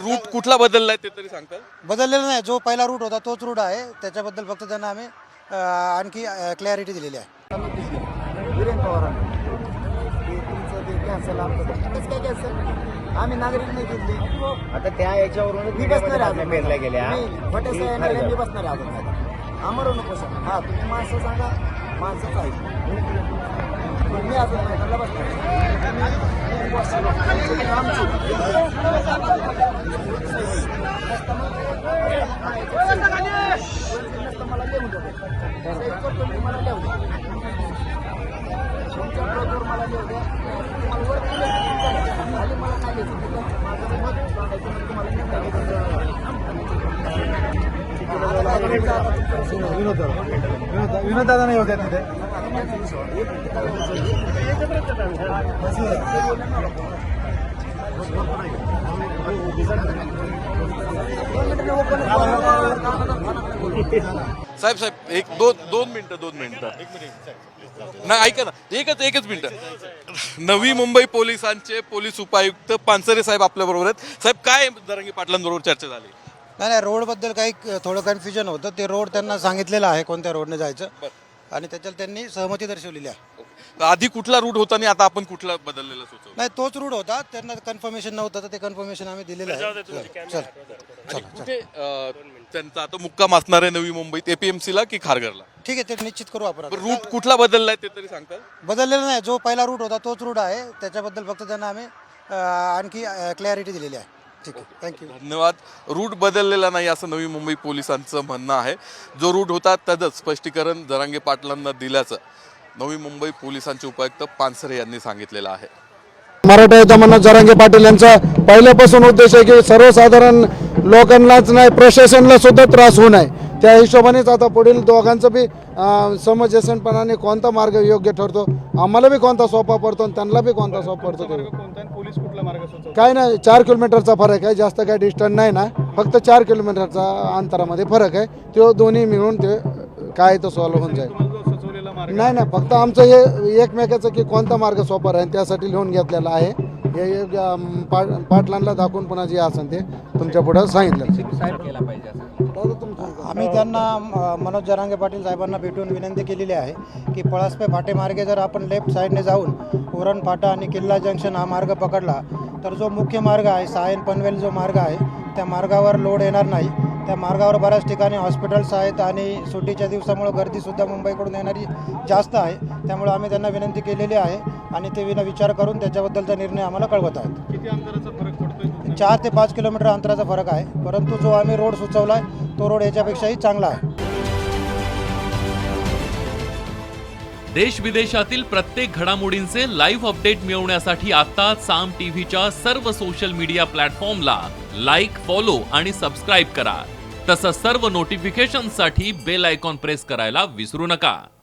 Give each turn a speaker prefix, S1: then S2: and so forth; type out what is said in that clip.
S1: Route कुठला बदललाय ते तरी सांगताल?
S2: बदललेला नाही, जो पहिला रूट होता तोच रूट आहे. त्याच्याबद्दल फक्त त्यांना आम्ही आणखी क्लॅरिटी दिलेली आहे.
S3: वीरेंद्र पवारांनी तुमचं ते कॅन्सल कसं काय कॅन्सल? आम्ही नागरिक नाही घेतली.
S4: आता त्या याच्यावरून
S3: मी बसणार आहे
S4: पेरल्या गेल्या
S3: खोटे साहेब मी बसणार आहे अजून आमरू नको सर. हा तुम्ही माणसं सांगा, माणसंच आहे. मी अजून मैदानाला बसणार मला लिहून देतो. मला लिहून द्या तुमच्या बरोबर मला लिहून द्या. तुम्हाला वर खाली मला काय लिहायचं माझं मत सांगायचं तुम्हाला
S2: विनोद दादा नाही होत्या तिथे.
S1: साहेब साहेब एक दोन मिनिटं नाही ऐका ना, एकच मिनिटं. नवी मुंबई पोलिसांचे पोलीस उपायुक्त पानसरे साहेब आपल्या बरोबर आहेत. साहेब, काय जरांगे पाटलांबरोबर चर्चा झाली?
S2: नाही, रोडबद्दल काही थोडं कन्फ्युजन होतं. ते रोड त्यांना सांगितलेलं आहे कोणत्या रोडने जायचं आणि त्याच्यात त्यांनी सहमती दर्शवलेली आहे.
S1: आधी कुठला रूट होता आणि आता आपण कुठला बदललेला सुचवतो?
S2: नाही, तोच रूट होता. त्यांना कन्फर्मेशन नव्हतं तर ते कन्फर्मेशन आम्ही दिलेलं आहे. चल
S1: कुठे त्यांचा आता मुक्काम असणार आहे नवी मुंबईत, एपीएमसी ला की खारघरला?
S2: ठीक आहे, ते निश्चित करू आपण.
S1: रूट कुठला बदललाय ते तरी सांगताल?
S2: बदललेला नाही, जो पहिला रूट होता तोच रूट आहे. त्याच्याबद्दल फक्त त्यांना आम्ही आणखी क्लॅरिटी दिलेली आहे. ठीक आहे, थँक्यू.
S1: धन्यवाद. रूट बदललेला नाही असं नवी मुंबई पोलिसांचं म्हणणं आहे. जो रूट होता त्याचं स्पष्टीकरण जरांगे पाटलांना दिल्याचं नवी मुंबई पोलिसांचे उपायुक्त पानसरे यांनी सांगितलेलं आहे.
S5: मराठा म्हणणं जरांगे पाटील यांचा पहिल्यापासून उद्देश आहे की सर्वसाधारण लोकांनाच नाही प्रशासनाला सुद्धा त्रास होऊ नये. त्या हिशोबानेच आता पुढील दोघांचं बी समंजसपणाने कोणता मार्ग योग्य ठरतो, आम्हाला बी कोणता सोपा पडतो आणि त्यांना बी कोणता सोपा पडतो. काय नाही, 4 किलोमीटरचा फरक आहे, जास्त काय डिस्टन्स नाही ना, फक्त 4 किलोमीटरचा अंतरामध्ये फरक आहे. तो दोन्ही मिळून ते काय तो सॉल्व्ह होऊन जाईल. नाही नाही, फक्त आमचं हे एकमेकाचं की कोणता मार्ग सोपा राहील त्यासाठी लिहून घेतलेला आहे. हे पाटलांना दाखवून पुन्हा जे असेल ते तुमच्या पुढे सांगितलं.
S2: आम्ही त्यांना मनोज जरांगे पाटील साहेबांना भेटून विनंती केलेली आहे की पळसपे फाटेमार्गे जर आपण लेफ्ट साईडने जाऊन उरण फाटा आणि किल्ला जंक्शन हा मार्ग पकडला तर जो मुख्य मार्ग आहे सायन पनवेल जो मार्ग आहे त्या मार्गावर लोड येणार नाही. त्या मार्गावर बऱ्याच ठिकाणी हॉस्पिटल्स आहेत आणि सुट्टीच्या दिवसामुळे गर्दीसुद्धा मुंबईकडून येणारी जास्त आहे. त्यामुळे आम्ही त्यांना विनंती केलेली आहे आणि ते विचार करून त्याच्याबद्दलचा निर्णय आम्हाला कळवत आहेत.
S6: किती अंतराचा फरक पडतोय?
S2: 4 ते 5 किलोमीटर अंतराचा फरक आहे, परंतु जो आम्ही रोड सुचवला आहे तो रोड याच्यापेक्षाही चांगला आहे.
S7: देश विदेशातील प्रत्येक घडामोडींचे लाईव्ह अपडेट मिळवण्यासाठी आता साम टीव्हीच्या सर्व सोशल मीडिया प्लॅटफॉर्मला लाईक, फॉलो आणि सबस्क्राईब करा. तसंच सर्व नोटिफिकेशनसाठी बेल आयकॉन प्रेस करायला विसरू नका.